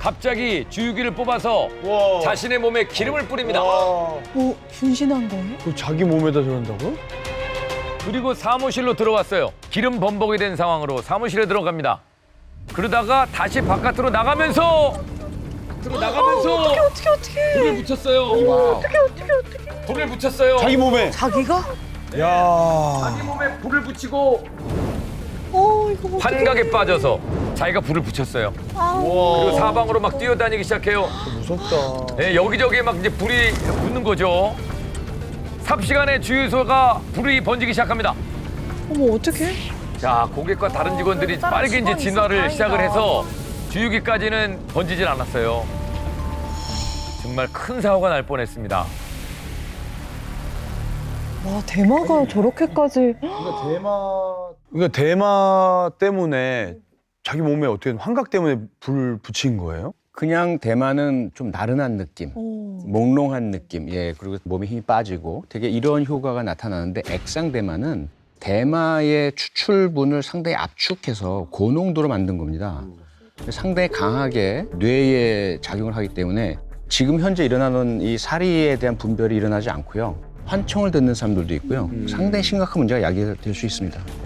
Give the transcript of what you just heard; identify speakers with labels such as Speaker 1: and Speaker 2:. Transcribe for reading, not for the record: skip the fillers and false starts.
Speaker 1: 갑자기 주유기를 뽑아서
Speaker 2: 와.
Speaker 1: 자신의 몸에 기름을 뿌립니다.
Speaker 3: 뭐 분신한 거예요?
Speaker 2: 그 자기 몸에다 저런다고?
Speaker 1: 그리고 사무실로 들어왔어요. 기름 범벅이 된 상황으로 사무실에 들어갑니다. 그러다가 다시 바깥으로 나가면서
Speaker 3: 어떻게?
Speaker 1: 불을 붙였어요. 불을 붙였어요.
Speaker 2: 자기 몸에.
Speaker 3: 자기가?
Speaker 2: 야.
Speaker 1: 자기 몸에 불을 붙이고
Speaker 3: 이거 어떡해.
Speaker 1: 환각에 빠져서 자기가 불을 붙였어요.
Speaker 2: 와.
Speaker 1: 그리고 사방으로 막 뛰어다니기 시작해요.
Speaker 2: 무섭다.
Speaker 1: 네, 여기저기에 막 이제 불이 붙는 거죠. 삽시간에 주유소가 불이 번지기 시작합니다.
Speaker 3: 어머 어떡해?
Speaker 1: 자, 고객과 다른 직원들이 빠르게 이제 진화를 시작을 해서 주유기까지는 번지질 않았어요. 정말 큰 사고가 날 뻔했습니다.
Speaker 3: 와 대마가 저렇게까지.
Speaker 2: 그러니까 대마 때문에 자기 몸에 어떻게 환각 때문에 불 붙인 거예요?
Speaker 4: 그냥 대마는 좀 나른한 느낌,
Speaker 3: 오.
Speaker 4: 몽롱한 느낌, 예, 그리고 몸에 힘이 빠지고 되게 이런 효과가 나타나는데 액상 대마는 대마의 추출분을 상당히 압축해서 고농도로 만든 겁니다. 상당히 강하게 뇌에 작용을 하기 때문에 지금 현재 일어나는 이 사리에 대한 분별이 일어나지 않고요. 환청을 듣는 사람들도 있고요. 상당히 심각한 문제가 야기될 수 있습니다.